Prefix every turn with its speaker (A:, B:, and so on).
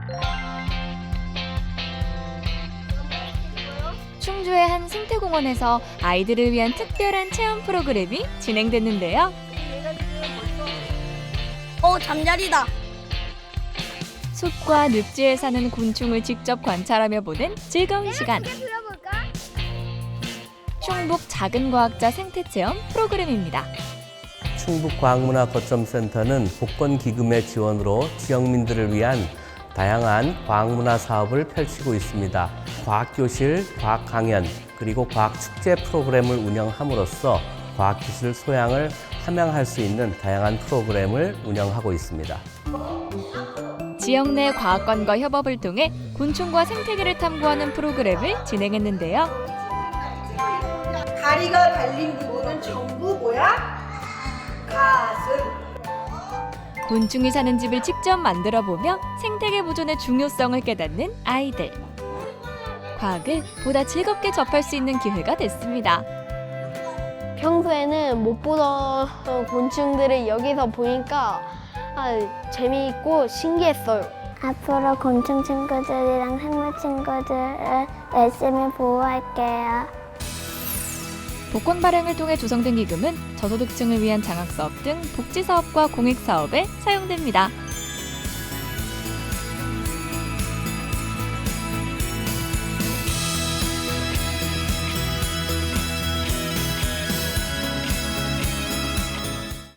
A: 충주의 한 생태공원에서 아이들을 위한 특별한 체험 프로그램이 진행됐는데요.
B: 잠자리다.
A: 숲과 늪지에 사는 곤충을 직접 관찰하며 보는 즐거운 시간. 충북 작은 과학자 생태체험 프로그램입니다.
C: 충북과학문화거점센터는 복권기금의 지원으로 지역민들을 위한 다양한 과학문화 사업을 펼치고 있습니다. 과학교실, 과학강연, 그리고 과학축제 프로그램을 운영함으로써 과학기술 소양을 함양할 수 있는 다양한 프로그램을 운영하고 있습니다.
A: 지역 내 과학관과 협업을 통해 곤충과 생태계를 탐구하는 프로그램을 진행했는데요.
D: 다리가 달린 부분은 전부 뭐야? 가슴.
A: 곤충이 사는 집을 직접 만들어 보며 생태계 보존의 중요성을 깨닫는 아이들. 과학을 보다 즐겁게 접할 수 있는 기회가 됐습니다.
B: 평소에는 못 보던 곤충들을 여기서 보니까 재미있고 신기했어요.
E: 앞으로 곤충 친구들이랑 생물 친구들을 열심히 보호할게요.
A: 복권 발행을 통해 조성된 기금은 저소득층을 위한 장학사업 등 복지사업과 공익사업에 사용됩니다.